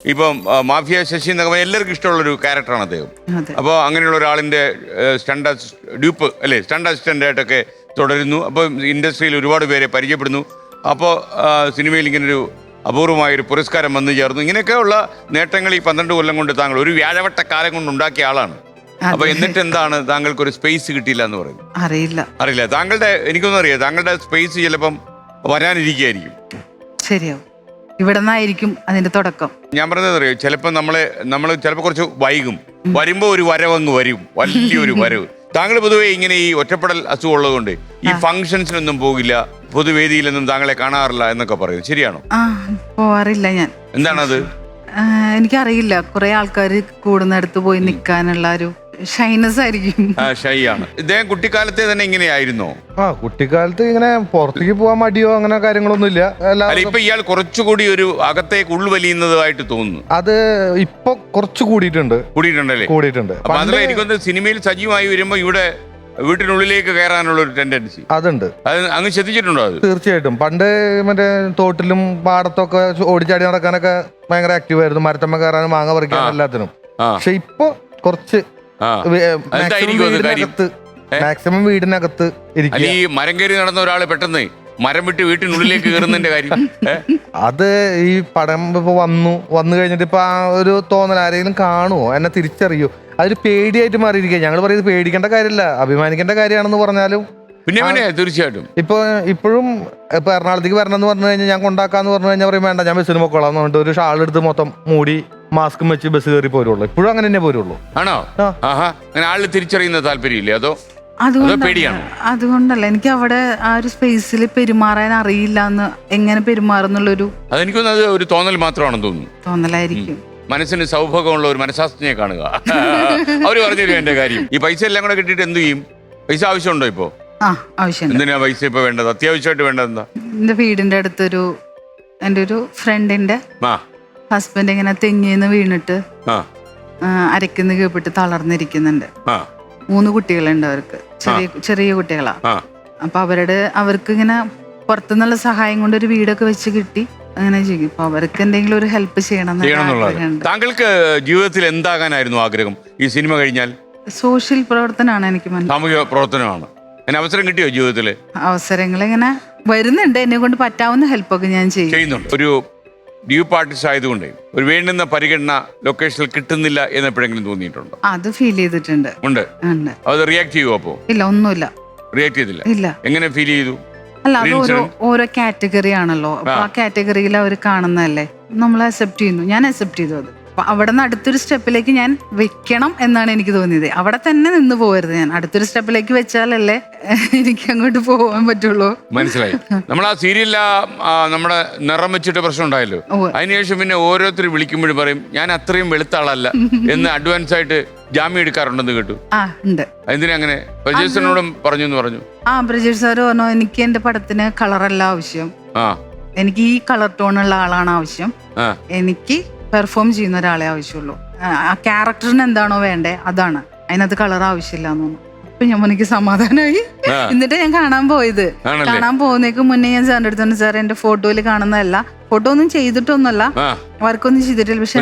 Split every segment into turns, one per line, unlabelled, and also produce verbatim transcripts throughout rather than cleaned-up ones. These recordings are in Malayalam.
ഇപ്പം മാഫിയ ശശി എന്നൊക്കെ പറഞ്ഞാൽ എല്ലാവർക്കും ഇഷ്ടമുള്ളൊരു ക്യാരക്ടറാണ് അദ്ദേഹം. അപ്പോൾ അങ്ങനെയുള്ള ഒരാളിൻ്റെ സ്റ്റണ്ട് ഡ്യൂപ്പ് അല്ലേ സ്റ്റണ്ട് അസിസ്റ്റൻ്റായിട്ടൊക്കെ തുടരുന്നു. അപ്പോൾ ഇൻഡസ്ട്രിയിൽ ഒരുപാട് പേരെ പരിചയപ്പെടുന്നു. അപ്പോൾ സിനിമയിൽ ഇങ്ങനൊരു അപൂർവമായൊരു പുരസ്കാരം വന്നു ചേർന്നു. ഇങ്ങനെയൊക്കെയുള്ള നേട്ടങ്ങൾ ഈ പന്ത്രണ്ട് കൊല്ലം കൊണ്ട് താങ്കൾ ഒരു വ്യാഴവട്ട കാലം കൊണ്ട് ഉണ്ടാക്കിയ ആളാണ്. അപ്പൊ എന്നിട്ട് എന്താണ് താങ്കൾക്ക് ഒരു സ്പേസ് കിട്ടിയില്ല എന്ന് പറയുന്നത്? അറിയില്ല അറിയില്ല താങ്കളുടെ എനിക്കൊന്നും അറിയാം. താങ്കളുടെ സ്പേസ് ചിലപ്പം വരാനിരിക്കുകയായിരിക്കും.
ശരിയാവും, ഇവിടെ നിന്നായിരിക്കും അതിന്റെ തുടക്കം. ഞാൻ
പറഞ്ഞത് അറിയോ, ചിലപ്പോൾ നമ്മളെ നമ്മൾ ചിലപ്പോൾ കുറച്ച് വൈകും, വരുമ്പോ ഒരു വരവങ്ങ് വരും, വലിയൊരു വരവ്. താങ്കൾ പൊതുവെ ഇങ്ങനെ ഈ ഒറ്റപ്പെടൽ അസുഖം ഉള്ളതുകൊണ്ട് ഈ ഫംഗ്ഷൻസിനൊന്നും പോകില്ല, പൊതുവേദിയിലൊന്നും താങ്കളെ കാണാറില്ല എന്നൊക്കെ പറയും, ശരിയാണോ?
പോവാറില്ല ഞാൻ.
എന്താണത്?
എനിക്കറിയില്ല, കുറെ ആൾക്കാർ കൂടുന്നിടത്ത് പോയി നിൽക്കാനുള്ള ഒരു ഷൈനസ് ആയിരിക്കും.
ഷൈ ആണ്. ഇദ്ദേഹം കുട്ടിക്കാലത്തെ തന്നെ ഇങ്ങനെയായിരുന്നോ?
ആ കുട്ടിക്കാലത്ത് ഇങ്ങനെ പുറത്തേക്ക് പോകാൻ മടിയോ അങ്ങനെ കാര്യങ്ങളൊന്നും ഇല്ല.
ഇപ്പൊ ഇയാൾ കുറച്ചുകൂടി ഒരു അകത്തേക്ക് ഉൾവലിയുന്നതായിട്ട് തോന്നുന്നു.
അത് ഇപ്പൊ കുറച്ച് കൂടിയിട്ടുണ്ട്.
കൂടിയിട്ടുണ്ടല്ലേ?
കൂടിയിട്ടുണ്ട്.
മാത്രമല്ല എനിക്കൊന്ന് സിനിമയിൽ സജീവമായി വരുമ്പോ ഇവിടെ വീട്ടിനുള്ളിലേക്ക് കയറാനുള്ള ഒരു ടെൻഡൻസി
അതുണ്ട്.
അത് അങ്ങ് ശ്രദ്ധിച്ചിട്ടുണ്ടോ? അത്
തീർച്ചയായിട്ടും. പണ്ട് മറ്റേ തോട്ടിലും പാടത്തൊക്കെ ഓടിച്ചാടി നടക്കാനൊക്കെ ഭയങ്കര ആക്റ്റീവ് ആയിരുന്നു. മരത്തമ്മ കയറാനും മാങ്ങ പറിക്കാനും എല്ലാത്തിനും. പക്ഷെ ഇപ്പൊ കുറച്ച് മാക്സിമം വീടിനകത്ത് ഇരിക്കും.
ഈ മരം കയറി നടന്ന ഒരാള് പെട്ടെന്ന് മരം വിട്ട് വീട്ടിനുള്ളിലേക്ക് കയറുന്നതിന്റെ കാര്യം
അത് ഈ പടം ഇപ്പൊ വന്നു വന്നു കഴിഞ്ഞിട്ട് ഇപ്പൊ ആ ഒരു തോന്നൽ ആരെങ്കിലും കാണുമോ, എന്നെ തിരിച്ചറിയോ, അതൊരു പേടിയായിട്ട് മാറിയിരിക്കുക. ഞങ്ങൾ പറയുന്നത് പേടിക്കേണ്ട കാര്യമില്ല, അഭിമാനിക്കേണ്ട കാര്യമാണെന്ന് പറഞ്ഞാലും
പിന്നെ പിന്നെ തീർച്ചയായിട്ടും
ഇപ്പൊ ഇപ്പോഴും ഇപ്പൊ എറണാകുളത്തേക്ക് വരണം എന്ന് പറഞ്ഞു കഴിഞ്ഞാൽ ഞാൻ കൊണ്ടാക്കാന്ന് പറഞ്ഞു കഴിഞ്ഞാൽ പറയും വേണ്ട, ഞാൻ ബസ്സിന് പൊക്കോളാം എന്ന് പറഞ്ഞിട്ട് ഒരു ഷാൾ എടുത്ത് മൊത്തം മൂടി മാസ്കും വെച്ച് ബസ് കയറി പോരുള്ളൂ. ഇപ്പോഴും അങ്ങനെ തന്നെ പോരുള്ളൂ.
ആണോ? അങ്ങനെ ആളിൽ തിരിച്ചറിയുന്ന താല്പര്യമില്ലേ, അതോ പേടിയാണ്?
അതുകൊണ്ടല്ല, എനിക്ക് അവിടെ ആ ഒരു സ്പേസിൽ പെരുമാറാൻ അറിയില്ല എന്ന്, എങ്ങനെ പെരുമാറുന്നുള്ളൊരു
അതെനിക്കൊന്നത് ഒരു തോന്നൽ മാത്രമാണെന്ന് തോന്നുന്നു.
തോന്നലായിരിക്കും.
മനസ്സിന് സൗഭാഗ്യമുള്ള ഒരു മനഃശാസ്ത്രജ്ഞയെ കാണുക. അവര് പറഞ്ഞിരുന്നു എന്റെ കാര്യം. ഈ പൈസ എല്ലാം കൂടെ കിട്ടിയിട്ട് എന്ത് ചെയ്യും? പൈസ ആവശ്യമുണ്ടോ ഇപ്പോ? എന്തിനാ പൈസ ഇപ്പൊ വേണ്ടത്? അത്യാവശ്യമായിട്ട് വേണ്ടത് എന്താ?
എന്റെ വീടിന്റെ അടുത്തൊരു എന്റെ ഒരു ഫ്രണ്ടിന്റെ ഹസ്ബൻഡ് ഇങ്ങനെ തെങ്ങിന്ന് വീണിട്ട് അരക്കുന്ന കീഴ്പിട്ട് തളർന്നിരിക്കുന്നുണ്ട്. മൂന്ന് കുട്ടികളുണ്ട് അവർക്ക്, ചെറിയ ചെറിയ കുട്ടികളാ. അപ്പൊ അവരുടെ അവർക്ക് ഇങ്ങനെ പുറത്തുനിന്നുള്ള സഹായം കൊണ്ട് ഒരു വീടൊക്കെ വെച്ച് കിട്ടി. അങ്ങനെ ചെയ്യും. അപ്പൊ അവർക്ക് എന്തെങ്കിലും ഒരു ഹെൽപ്പ് ചെയ്യണം.
താങ്കൾക്ക് ജീവിതത്തിൽ എന്താകാനായിരുന്നു ആഗ്രഹം ഈ സിനിമ കഴിഞ്ഞാൽ?
സോഷ്യൽ പ്രവർത്തനമാണ് എനിക്ക്.
സാമൂഹിക പ്രവർത്തനമാണ്. അവസരം കിട്ടിയോ ജീവിതത്തില്?
അവസരങ്ങൾ ഇങ്ങനെ വരുന്നുണ്ട്, എന്നെ കൊണ്ട് പറ്റാവുന്ന ഹെൽപ്പൊക്കെ ഞാൻ
ചെയ്യുന്നുണ്ട്. ഒരു ഡ്യൂപ്പ് ആർട്ടിസ്റ്റ് ആയതുകൊണ്ട് ഒരു വേണ്ടുന്ന പരിഗണന ലൊക്കേഷനിൽ കിട്ടുന്നില്ല എന്ന് എപ്പോഴെങ്കിലും തോന്നിയിട്ടുണ്ടോ?
അത് ഫീൽ ചെയ്തിട്ടുണ്ട്.
ഉണ്ട്. അത് റിയാക്ട് ചെയ്യുമോ? അപ്പോ
ഇല്ല, ഒന്നുമില്ല.
റിയാക്ട് ചെയ്തില്ല?
ഇല്ല.
എങ്ങനെ ഫീൽ ചെയ്തു?
അല്ല, അത് ഓരോ ഓരോ കാറ്റഗറി ആണല്ലോ. അപ്പൊ ആ കാറ്റഗറിയിൽ അവർ കാണുന്നതല്ലേ, നമ്മൾ അക്സെപ്റ്റ് ചെയ്യുന്നു. ഞാൻ അക്സെപ്റ്റ് ചെയ്തു അത്. അപ്പൊ അവിടെ നിന്ന് അടുത്തൊരു സ്റ്റെപ്പിലേക്ക് ഞാൻ വെക്കണം എന്നാണ് എനിക്ക് തോന്നിയത്. അവിടെ തന്നെ നിന്ന് പോകരുത്. ഞാൻ അടുത്തൊരു സ്റ്റെപ്പിലേക്ക് വെച്ചാലല്ലേ എനിക്ക് അങ്ങോട്ട് പോകാൻ പറ്റുള്ളൂ.
മനസ്സിലായി. നമ്മൾ ആ സീരിയലിൽ നമ്മുടെ നിറം വെച്ചിട്ട് പ്രശ്നം ഉണ്ടായല്ലോ. അതിനുശേഷം പിന്നെ ഓരോരുത്തർ വിളിക്കുമ്പോഴും പറയും ഞാൻ അത്രയും വെളുത്ത ആളല്ല എന്ന് അഡ്വാൻസ് ആയിട്ട് ജാമ്യം എടുക്കാറുണ്ടെന്ന് കേട്ടു.
ആ ഉണ്ട്.
എന്തിനാ അങ്ങനെ? പ്രജേഷനോടും പറഞ്ഞു എന്ന് പറഞ്ഞു.
ആ പ്രജേഷ് സാർ പറഞ്ഞു എനിക്ക് എന്റെ പടത്തിന് കളറല്ല ആവശ്യം, എനിക്ക് ഈ കളർ ടോണുള്ള ആളാണ് ആവശ്യം, എനിക്ക് പെർഫോം ചെയ്യുന്ന ഒരാളെ ആവശ്യമുള്ളൂ, ആ ക്യാരക്ടറിന് എന്താണോ വേണ്ടേ അതാണ്, അതിനകത്ത് കളർ ആവശ്യമില്ല എന്ന് പറഞ്ഞു. അപ്പൊ ഞാൻ എനിക്ക് സമാധാനമായി. എന്നിട്ട് ഞാൻ കാണാൻ പോയത്. കാണാൻ പോകുന്നേക്ക് മുന്നേ ഞാൻ സാറിന്റെ അടുത്ത് സാർ എന്റെ ഫോട്ടോയിൽ കാണുന്നതല്ല, ഫോട്ടോ ഒന്നും ചെയ്തിട്ടൊന്നുമല്ല, വർക്കൊന്നും ചെയ്തിട്ടില്ല, പക്ഷെ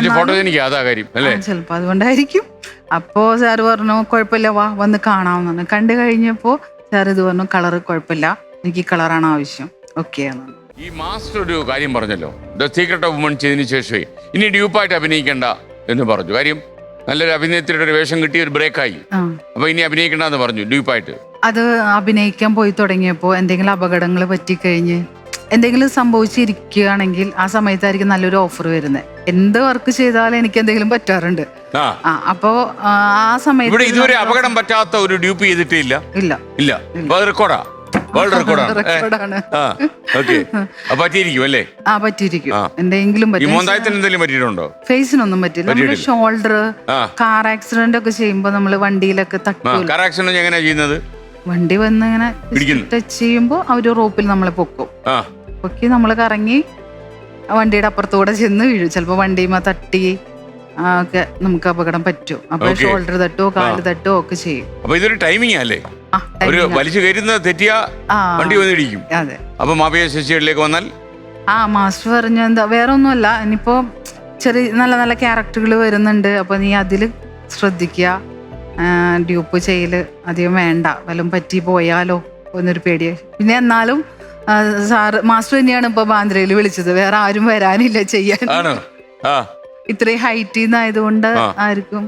ചിലപ്പോ അതുകൊണ്ടായിരിക്കും. അപ്പോ സാറ് പറഞ്ഞു കുഴപ്പമില്ല, വാ വന്ന് കാണാമെന്ന് പറഞ്ഞു. കണ്ടു കഴിഞ്ഞപ്പോ സാർ ഇത് പറഞ്ഞു കളർ കുഴപ്പമില്ല, എനിക്ക് ഈ കളറാണ് ആവശ്യം, ഓക്കെ ആണ്.
ഈ മാസ്റ്റർ ഒരു കാര്യം പറഞ്ഞല്ലോ, ദ സീക്രട്ട് ഓഫ് വുമൺ ചെയ്തതിനു ശേഷമേ ഇനി ഡ്യൂപ്പായിട്ട് അഭിനയിക്കണ്ട എന്ന് പറഞ്ഞു. കാര്യം നല്ലൊരു അഭിനേത്രിയുടെ ഒരു വേഷം കിട്ടി, ഒരു ബ്രേക്കായി, അപ്പൊ ഇനി അഭിനയിക്കണ്ടെന്ന് പറഞ്ഞു ഡ്യൂപ്പായിട്ട്.
അത് അഭിനയിക്കാൻ പോയി തുടങ്ങിയപ്പോ എന്തെങ്കിലും അപകടങ്ങൾ പറ്റിക്കഴിഞ്ഞ് എന്തെങ്കിലും സംഭവിച്ചിരിക്കുകയാണെങ്കിൽ ആ സമയത്തായിരിക്കും നല്ലൊരു ഓഫർ വരുന്നത്. എന്ത് വർക്ക് ചെയ്താലും എനിക്ക് എന്തെങ്കിലും പറ്റാറുണ്ട്. അപ്പോ ആ സമയത്ത്
ഇതുവരെ അപകടം പറ്റാത്ത ഒരു ഡ്യൂപ്പ് ചെയ്തിട്ടില്ല.
ഇല്ല
ഇല്ല റെക്കോർഡാ വേൾഡ് റെക്കോർഡാണ്. പറ്റിയിരിക്കും അല്ലേ?
ആ പറ്റിയിരിക്കും. എന്തെങ്കിലും
പറ്റിയിട്ടുണ്ടോ?
ഫേസിനൊന്നും പറ്റില്ല. നമ്മുടെ ഷോൾഡർ, കാർ ആക്സിഡന്റ് ഒക്കെ ചെയ്യുമ്പോ നമ്മള് വണ്ടിയിലൊക്കെ തട്ടും.
കാർ ആക്സിഡന്റ് എങ്ങനെയാ ചെയ്യുന്നത്?
വണ്ടി വന്ന് ഇങ്ങനെ ടച്ച് ചെയ്യുമ്പോ അവര് റോപ്പിൽ നമ്മളെ പൊക്കും. പൊക്കി നമ്മള് കറങ്ങി വണ്ടിയുടെ അപ്പുറത്തൂടെ ചെന്ന് വീഴും. ചിലപ്പോ വണ്ടിയുമ്പോ തട്ടി ഒക്കെ നമുക്ക് അപകടം പറ്റും. അപ്പൊ ഷോൾഡർ തട്ടോ കാല് തട്ടോ ഒക്കെ ചെയ്യും.
അപ്പൊ ഇതൊരു ടൈമിംഗ് അല്ലേ? ഒരു വലിച്ചു കയറുന്നത് തെറ്റിയാ വണ്ടി വന്നിടിക്കും.
അതെ.
അപ്പൊ മാഫിയ ശശികളിലേക്ക് വന്നാൽ
ആ മാസ്റ്റർ പറഞ്ഞു എന്താ വേറെ ഒന്നുമല്ല, ഇനിയിപ്പോ ചെറിയ നല്ല നല്ല ക്യാരക്ടറുകൾ വരുന്നുണ്ട്, അപ്പോൾ നീ അതിൽ ശ്രദ്ധിക്കുക, ഡ്യൂപ്പ് ചെയ്യല് അധികം വേണ്ട, വല്ലതും പറ്റി പോയാലോ എന്നൊരു പേടിയായി. പിന്നെ എന്നാലും സാറ് മാസ്റ്റർ തന്നെയാണ് ഇപ്പൊ ബാന്ദ്രയിൽ വിളിച്ചത്, വേറെ ആരും വരാനില്ല ചെയ്യാൻ. ഇത്രയും ഹൈറ്റിൽ നിന്നായതുകൊണ്ട് ആർക്കും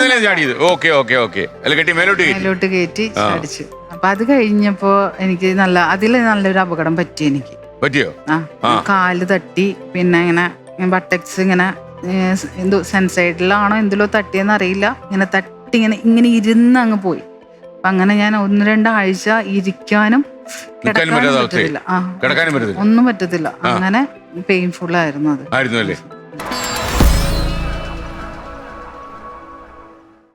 മേലോട്ട് കയറ്റി ചാടിച്ചു. അപ്പൊ അത് കഴിഞ്ഞപ്പോ എനിക്ക് നല്ല അതിൽ നല്ലൊരു അപകടം പറ്റി എനിക്ക്.
പറ്റിയോ?
ആ കാല് തട്ടി, പിന്നെ ഇങ്ങനെ ബട്ടക്സ് ഇങ്ങനെ എന്തോ സെൻസൈഡിലാണോ എന്തിലോ തട്ടിയെന്ന് അറിയില്ല, ഇങ്ങനെ തട്ടി ഇങ്ങനെ ഇങ്ങനെ ഇരുന്ന് അങ്ങ് പോയി. അപ്പൊ അങ്ങനെ ഞാൻ ഒന്ന് രണ്ടാഴ്ച ഇരിക്കാനും കിടക്കാനും പറ്റത്തില്ല, ആ ഒന്നും പറ്റത്തില്ല, അങ്ങനെ പെയിൻഫുൾ ആയിരുന്നു അത്.